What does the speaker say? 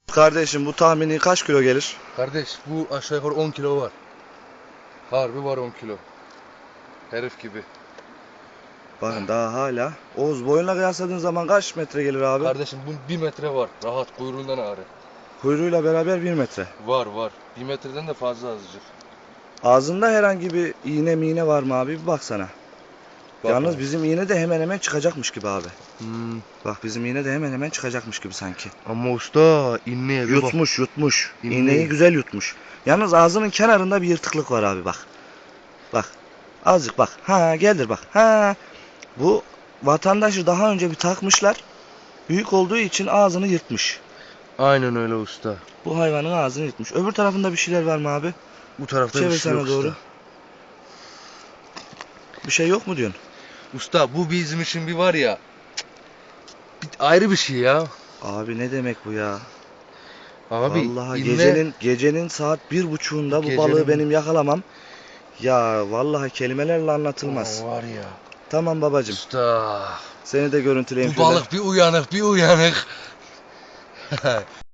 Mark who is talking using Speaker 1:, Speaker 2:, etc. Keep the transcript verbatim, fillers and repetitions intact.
Speaker 1: Kardeşim bu tahmini kaç kilo gelir?
Speaker 2: Kardeş bu aşağı yukarı on kilo var. Harbi var on kilo. Herif gibi.
Speaker 1: Bakın daha hala. Oğuz boyunla kıyasladığın zaman kaç metre gelir abi?
Speaker 2: Kardeşim bu bir metre var. Rahat kuyruğundan ağrı.
Speaker 1: Kuyruğuyla beraber bir metre.
Speaker 2: Var var. Bir metreden de fazla azıcık.
Speaker 1: Ağzında herhangi bir iğne miğne var mı abi? Bir baksana.
Speaker 2: Bak
Speaker 1: Yalnız
Speaker 2: abi.
Speaker 1: bizim iğne de hemen hemen çıkacakmış gibi abi.
Speaker 2: Hmm.
Speaker 1: Bak bizim iğne de hemen hemen çıkacakmış gibi sanki.
Speaker 2: Ama usta inmeye bir bak.
Speaker 1: Yutmuş yutmuş.
Speaker 2: İğneyi.
Speaker 1: İğneyi güzel yutmuş. Yalnız ağzının kenarında bir yırtıklık var abi bak. Bak. Azıcık bak. Ha geldir bak. Ha. Bu vatandaşı daha önce bir takmışlar. Büyük olduğu için ağzını yırtmış.
Speaker 2: Aynen öyle usta.
Speaker 1: Bu hayvanın ağzını yırtmış. Öbür tarafında bir şeyler var mı abi?
Speaker 2: Bu tarafta
Speaker 1: Çevir
Speaker 2: bir şey
Speaker 1: sana
Speaker 2: yok
Speaker 1: doğru.
Speaker 2: usta.
Speaker 1: Bir şey yok mu diyorsun?
Speaker 2: Usta bu bizim için bir var ya. Bir, ayrı bir şey ya.
Speaker 1: Abi ne demek bu ya?
Speaker 2: Abi
Speaker 1: Vallahi
Speaker 2: inme-
Speaker 1: gecenin gecenin saat bir buçuğunda bu
Speaker 2: Gecenin-
Speaker 1: balığı benim yakalamam. Ya vallahi kelimelerle anlatılmaz.
Speaker 2: Aa, var ya.
Speaker 1: Tamam babacım.
Speaker 2: Usta.
Speaker 1: Seni de görüntüleyeyim
Speaker 2: Bu
Speaker 1: şöyle.
Speaker 2: balık bir uyanık bir uyanık.